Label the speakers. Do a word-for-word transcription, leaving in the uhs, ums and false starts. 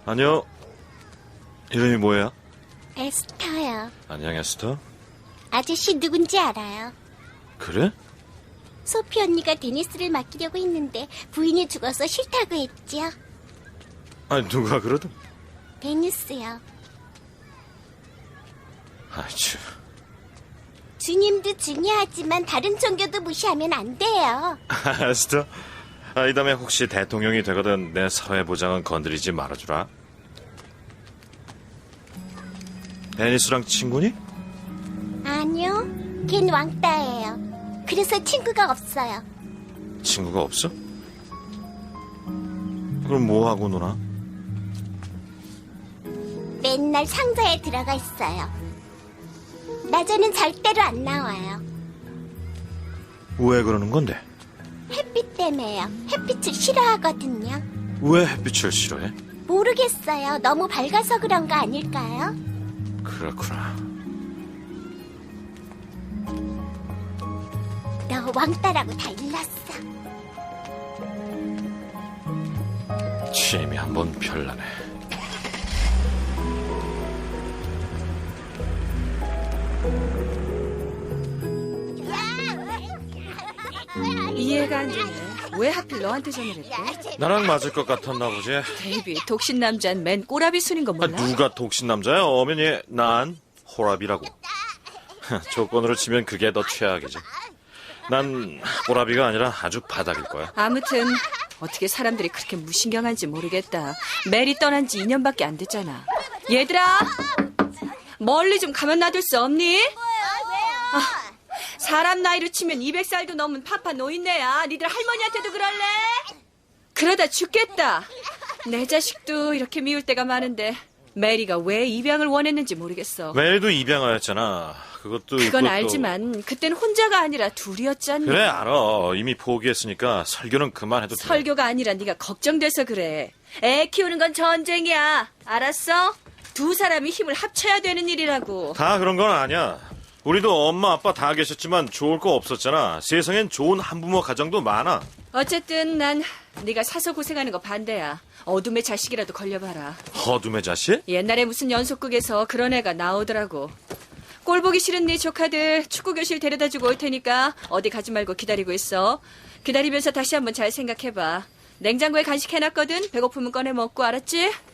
Speaker 1: 안녕. 이름이 뭐야?
Speaker 2: 에스터요.
Speaker 1: 안녕, 에스터.
Speaker 2: 아저씨 누군지 알아요?
Speaker 1: 그래?
Speaker 2: 소피 언니가 데니스를 맡기려고 했는데 부인이 죽어서 싫다고 했죠.
Speaker 1: 아니, 누가 그러든.
Speaker 2: 데니스요.
Speaker 1: 아이치.
Speaker 2: 주님도 중요하지만 다른 종교도 무시하면 안 돼요.
Speaker 1: 에스터. 아, 이 다음에 혹시 대통령이 되거든 내 사회보장은 건드리지 말아주라. 데니스랑 친구니?
Speaker 2: 아니요, 걘 왕따예요. 그래서 친구가 없어요.
Speaker 1: 친구가 없어? 그럼 뭐하고 노나?
Speaker 2: 맨날 상자에 들어가 있어요. 낮에는 절대로 안 나와요.
Speaker 1: 왜 그러는 건데?
Speaker 2: 햇빛 때문에요. 햇빛을 싫어하거든요.
Speaker 1: 왜 햇빛을 싫어해?
Speaker 2: 모르겠어요. 너무 밝아서 그런 거 아닐까요?
Speaker 1: 그렇구나.
Speaker 2: 너 왕따라고 다 일렀어.
Speaker 1: 취임이 한번 별나네.
Speaker 3: 이해가 안 되네. 왜 하필 너한테 전화를 했대?
Speaker 1: 나랑 맞을 것 같았나 보지?
Speaker 3: 데이비, 독신 남자는 맨 꼬라비 순인 거
Speaker 1: 아,
Speaker 3: 몰라?
Speaker 1: 누가 독신 남자야? 어머니, 난 호랍이라고. 조건으로 치면 그게 더 최악이지. 난 호랍이가 아니라 아주 바닥일 거야.
Speaker 3: 아무튼 어떻게 사람들이 그렇게 무신경한지 모르겠다. 메리 떠난 지 이 년밖에 안 됐잖아. 얘들아! 멀리 좀 가만 놔둘 수 없니? 아, 사람 나이로 치면 이백 살도 넘은 파파 노인네야. 니들 할머니한테도 그럴래? 그러다 죽겠다. 내 자식도 이렇게 미울 때가 많은데 메리가 왜 입양을 원했는지 모르겠어.
Speaker 1: 매일도 입양하였잖아. 그것도
Speaker 3: 그건
Speaker 1: 그것도...
Speaker 3: 알지만 그땐 혼자가 아니라 둘이었잖니.
Speaker 1: 그래, 알아. 이미 포기했으니까 설교는 그만해도 돼.
Speaker 3: 설교가 아니라 네가 걱정돼서 그래. 애 키우는 건 전쟁이야. 알았어? 두 사람이 힘을 합쳐야 되는 일이라고.
Speaker 1: 다 그런 건 아니야. 우리도 엄마 아빠 다 계셨지만 좋을 거 없었잖아. 세상엔 좋은 한부모 가정도 많아.
Speaker 3: 어쨌든 난 네가 사서 고생하는 거 반대야. 어둠의 자식이라도 걸려봐라.
Speaker 1: 어둠의 자식?
Speaker 3: 옛날에 무슨 연속극에서 그런 애가 나오더라고. 꼴 보기 싫은 네 조카들 축구 교실 데려다주고 올 테니까 어디 가지 말고 기다리고 있어. 기다리면서 다시 한번 잘 생각해봐. 냉장고에 간식 해놨거든. 배고프면 꺼내 먹고, 알았지?